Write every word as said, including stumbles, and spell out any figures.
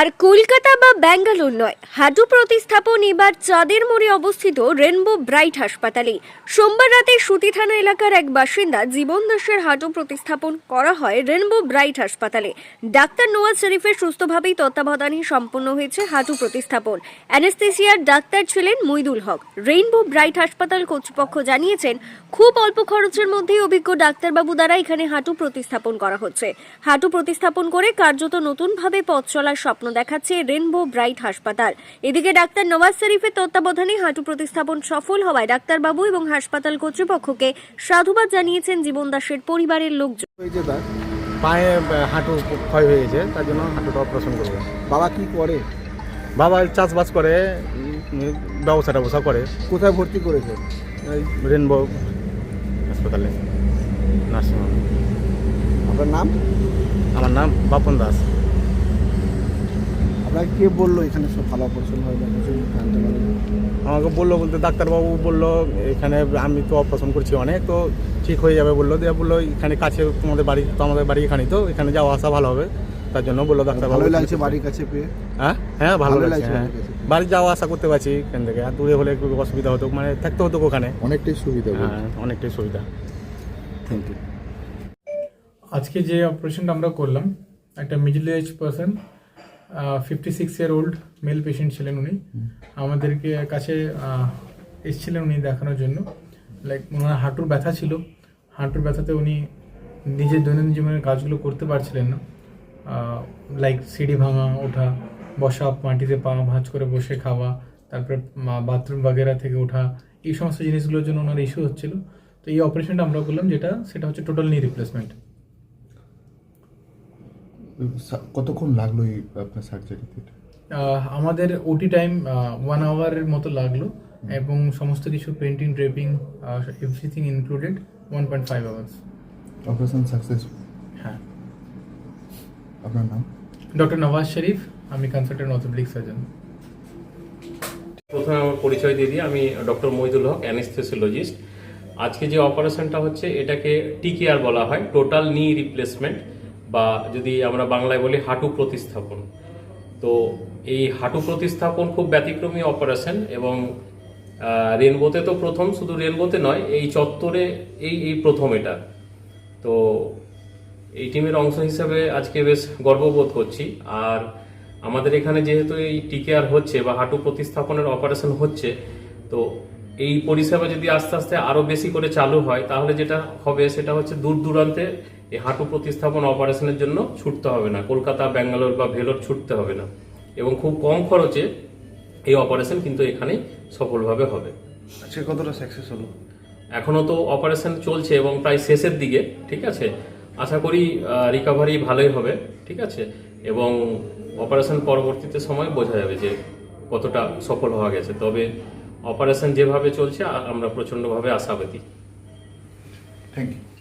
আর কলকাতা বা ব্যাঙ্গালোর নয়, হাঁটু প্রতিস্থাপন এবার চাঁদের মোড়ে অবস্থিত রেনবো ব্রাইট হাসপাতালে। সোমবার রাতে সুতি থানা এলাকার এক বাসিন্দা জীবন দাসের হাঁটু প্রতিস্থাপন করা হয় রেনবো ব্রাইট হাসপাতালে। ডাক্তার নওয়াজ শরীফের সুস্থভাবেই তত্ত্বাবধানে সম্পন্ন হয়েছে হাঁটু প্রতিস্থাপন। অ্যানেস্থেসিয়ার ডাক্তার ছিলেন মইদুল হক। রেইনবো ব্রাইট হাসপাতাল কর্তৃপক্ষ জানিয়েছেন, খুব অল্প খরচের মধ্যেই অভিজ্ঞ ডাক্তারবাবু দ্বারা এখানে হাঁটু প্রতিস্থাপন করা হচ্ছে। হাঁটু প্রতিস্থাপন করে কার্যত নতুনভাবে পথ চলার স্বপ্ন দেখাচ্ছে রেনবো ব্রাইট হাসপাতাল। এদিকে ডাক্তার নওয়াজ শরীফের তত্ত্বাবধানে হাঁটু প্রতিস্থাপন সফল হওয়ায় ডাক্তারবাবু এবং হাসপাতাল কর্তৃপক্ষকে সাধুবাদ জানিয়েছেন জীবন দাসের পরিবারের লোকজন। পায়ে হাঁটু ক্ষয় হয়ে গেছে, তার জন্য হাঁটুটা অপারেশন করবো। বাবা কি করে? বাবা চাষবাস করে, ব্যবসা টবসা করে। কোথায় ভর্তি করেছে? রেনবো হাসপাতালে, নার্সিংহোম। আপনার নাম? আমার নাম বাপন দাস। আপনাকে কে বললো এখানে সব ভালো অপারেশন হয় না? কিছু জানতে পারলেন? আমাকে বললো বলতে ডাক্তারবাবু বললো এখানে আমি তো অপারেশন করছি অনেক, তো ঠিক হয়ে যাবে বললো। দিয়ে বললো এখানে কাছে তোমাদের বাড়ি, তো আমাদের বাড়ি এখানেই, তো এখানে যাওয়া আসা ভালো হবে, তার জন্য বললো ডাক্তারবাবু। ভালো লাগছে বাড়ির কাছে পেয়ে? হ্যাঁ হ্যাঁ ভালো ভালো লাগছে। লাগছে হ্যাঁ, বাড়ির কাছে। বাড়ি যাওয়া আসা করতে পারছি এখান থেকে। আর দূরে হলে একটু অসুবিধা হতো, মানে থাকতে হতো ওখানে। অনেকটাই সুবিধা। হ্যাঁ, অনেকটাই সুবিধা। Thank you. আজকে যে অপারেশনটা আমরা করলাম, একটা middle age person, fifty six year old male patient ছিলেন উনি। আমাদেরকে কাছে আহ, এসেছিলেন উনি দেখানোর জন্য। লাইক ওনার হাঁটুর ব্যথা ছিল, হাঁটুর ব্যথাতে উনি নিজের দৈনন্দিন জীবনের কাজগুলো করতে পারছিলেন না। লাইক সিঁড়ি ভাঙা, ওঠা, বসা, মাটিতে পা ভাঁজ করে বসে খাওয়া, তারপরে বাথরুম বাগেরা থেকে ওঠা, এই সমস্ত জিনিসগুলোর জন্য ওনার ইস্যু হচ্ছিল। তো এই অপারেশনটা আমরা করলাম, যেটা সেটা হচ্ছে টোটাল নি রিপ্লেসমেন্ট। কতক্ষণ লাগলো এই আপনার সার্জারিতে? আমাদের ওটি টাইম ওয়ান আওয়ারের মতো লাগলো, এবং সমস্ত কিছু painting, draping, everything included one point five hours. Operation successful? হ্যাঁ। আপনার নাম? ডক্টর নওয়াজ শরীফ, আমি কনসালটেন্ট অর্থোপেডিক সার্জন। প্রথমে আমার পরিচয় দিয়ে দিই, আমি ডক্টর মইদুল হক, অ্যানেস্থেসিওলজিস্ট। আজকে যে অপারেশনটা হচ্ছে এটাকে টিকেআর বলা হয়, টোটাল নি রিপ্লেসমেন্ট, বা যদি আমরা বাংলায় বলি হাঁটু প্রতিস্থাপন। তো এই হাঁটু প্রতিস্থাপন খুব ব্যতিক্রমী অপারেশন, এবং রেনবোতে তো প্রথম, শুধু রেনবোতে নয়, এই চত্বরে এই এই প্রথম এটা। তো এই টিমের অংশ হিসেবে আজকে বেশ গর্ববোধ করছি। আর আমাদের এখানে যেহেতু এই টিকেআর হচ্ছে বা হাঁটু প্রতিস্থাপনের অপারেশন হচ্ছে, তো এই পরিষেবা যদি আস্তে আস্তে আরও বেশি করে চালু হয়, তাহলে যেটা হবে সেটা হচ্ছে দূর দূরান্তে এই হাঁটু প্রতিস্থাপন অপারেশনের জন্য ছুটতে হবে না, কলকাতা, ব্যাঙ্গালোর বা ভেলোর ছুটতে হবে না, এবং খুব কম খরচে এই অপারেশন কিন্তু এখানেই সফলভাবে হবে। আজকে কতটা সাকসেস হলো? এখনও তো অপারেশন চলছে এবং প্রায় শেষের দিকে, ঠিক আছে। আশা করি রিকভারি ভালোই হবে, ঠিক আছে, এবং অপারেশন পরবর্তীতে সময় বোঝা যাবে যে কতটা সফল হওয়া গেছে। তবে অপারেশন যেভাবে চলছে আমরা প্রচণ্ডভাবে আশাবাদী। Thank you.